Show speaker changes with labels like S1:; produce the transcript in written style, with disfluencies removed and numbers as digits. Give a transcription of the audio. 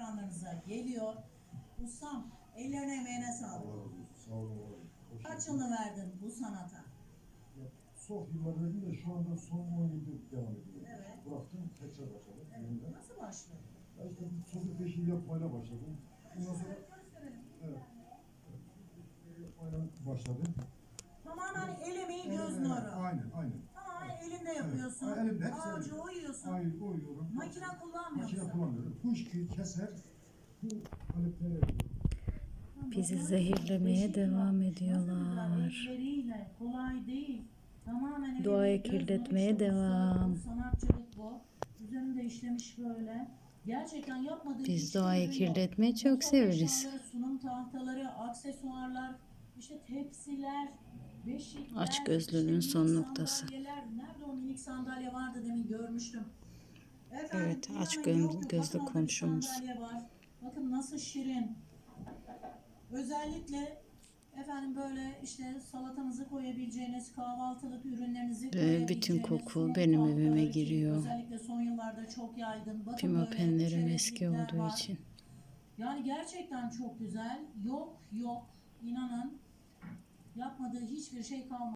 S1: ekranlarınıza geliyor. Ustam, ellerine emeğine sağlık.
S2: Sağ olun.
S1: Kaç yılını verdin bu sanata?
S2: Çok yıllar verdim de şu anda son 10 yıldır devam ediyorum.
S1: Evet.
S2: Bıraktım, tekrar başladım.
S1: Evet. Nasıl başladın?
S2: Ya işte çocuk peşi yapmayla başladım. Ondan sonra evet. Yapmayla başladım.
S1: Tamamen el emeği göz nuru.
S2: Aynen.
S1: Tamamen elinde yapıyorsun.
S2: Evet. Elimde hepsi
S1: Ağacı
S2: elimde.
S1: oyuyorsun.
S2: Aynen oyuyorum.
S1: Makine kullanmıyorsun.
S2: Makine kullanmıyorum. Kuşki keser. Bu aletleri yapıyorum.
S3: Bizi zehirlemeye devam ediyorlar.
S1: Elleriyle kolay değil. Tamamen
S3: Doğayı
S1: eliyle göz
S3: kirletmeye
S1: nuru işte
S3: devam.
S1: bu sanatçılık bu. Üzerinde işlemiş böyle. Gerçekten yapmadığı
S3: Biz
S1: hiçbir
S3: doğayı
S1: ürün yok.
S3: kirletmeyi çok
S1: Mutfak
S3: severiz.
S1: eşyaları, sunum tahtaları, aksesuarlar, işte tepsiler, beşikler,
S3: Açgözlülüğün
S1: işte
S3: son
S1: minik
S3: noktası.
S1: sandalyeler. Nerede o minik sandalye vardı demin görmüştüm. Efendim,
S3: Evet,
S1: inanın
S3: aç
S1: yok,
S3: gözlü
S1: bakın orada bir
S3: komşumuz.
S1: sandalye var. Bakın nasıl şirin. Özellikle efendim böyle işte salatanızı koyabileceğiniz, kahvaltılık ürünlerinizi
S3: Ve
S1: koyabileceğiniz
S3: bütün koku
S1: sunum
S3: benim
S1: tahtaları
S3: evime
S1: ki
S3: giriyor.
S1: özellikle son yıllarda çok yaygın. Bakın
S3: Pimapenlerim
S1: böyle
S3: eski
S1: çerezlikler
S3: olduğu
S1: var.
S3: için.
S1: Yani gerçekten çok güzel. Yok, inanın yapmadığı hiçbir şey kalmadı.